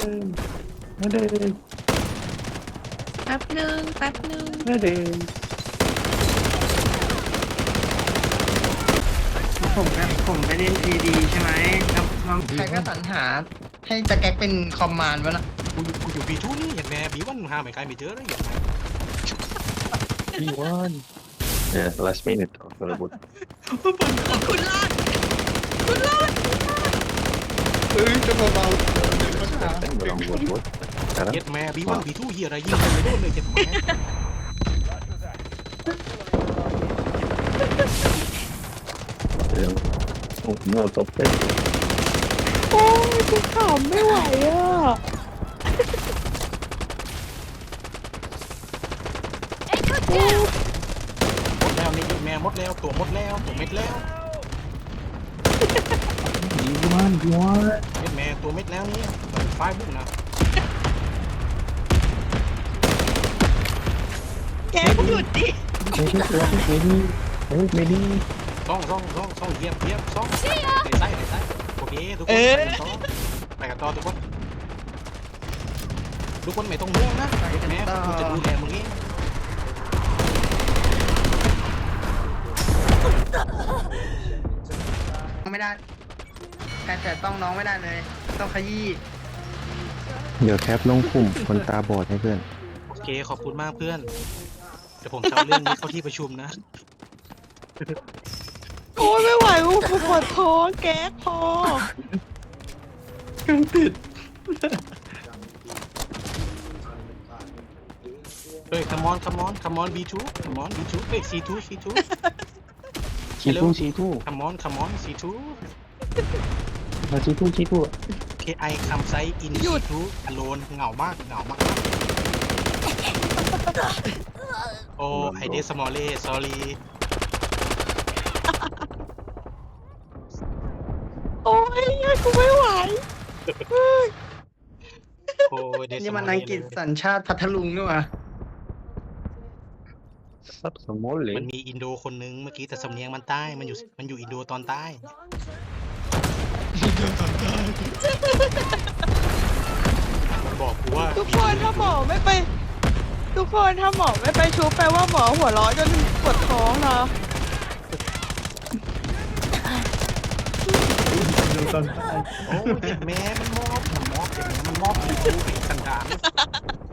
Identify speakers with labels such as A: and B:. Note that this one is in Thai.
A: นไม่เดิน
B: แป๊บหนึ่งแป๊บหนึ่ง
A: ไม่เดิน
C: ผมไปเล่นพีดีใช่ไหมแล้วใครก็สรรหาให้ตะแก๊กเป็นคอมมานด์วะน่ะ
D: กูอยู่บีทูนี่เห็นไหมบีวันหาไม่ใครไม่เจอเลยเห็นไหม
A: B1 yeah last minute of the boot
B: คุณรอดคุณรอด
C: จะเบา
A: belum buat bot sekarang
D: เห็นไหมบีวันบีทูเฮียอะไรยิงกันไม่โดนเลยเห็นไหม
A: yang mau topet
B: โอ้ยกูขำไม่ไหวอ่ะ
D: หมดแล้วนี่แม่หมดแล้วตัวหมดแล้วตัวเม็ดแล้ว
A: B1 B1
D: เห็นไหมตัวเม็ดแล้วนี่ไฟบุกนะ
B: แกมึงหยุดดิ
A: Medi
D: ซ่องเหยียบซ่องเตะไส้โอเคทุกคนไปกันต่อทุกคนไม่ต้องห่วงนะแม่กูจะดูแลมึงเอง
C: ๆไม่ได้ใครแต่ต้องน้องไม่ได้เลย ต้องขยี้
A: เดี๋ยวแคปลงกลุ่มคนตาบอดให้เพื่อน
D: โอเคขอบคุณมากเพื่อนเดี๋ยวผมจะเอาเรื่องนี้เข้าที่ประชุมนะ
B: โอ้ยไม่ไหวกูปวดท้องแก๊กพอ
D: เฮ้ย come on B2 เฮ้ย C2
A: C2
D: come on C2
A: มา C2
D: KI come side in C2 alone เหงามากโอ้ไอเดสมอลเล่ sorry
B: โอ้ยกูไม่ไหว
D: โอ้ยเดส
C: นี่
D: ม
C: มั
D: อน ล
C: อั
D: เล่
C: งกฤษสัญชาติพัทลุงนี่หว่า
A: Sub small
D: มันมีอินโดคนนึงเมื่อกี้แต่สำเนียงมันใต้มันอยู่อินโดตอนใต้มันบอกกูว่า
B: ทุกคนถ้าหมอไม่ไปชุบแปลว่าหมอหัวเราะจนปวดท้องนะ
D: โอ้ยเจ็บแม่มันมอบเจ็บแม่มันมอบกูเป็นสันดาน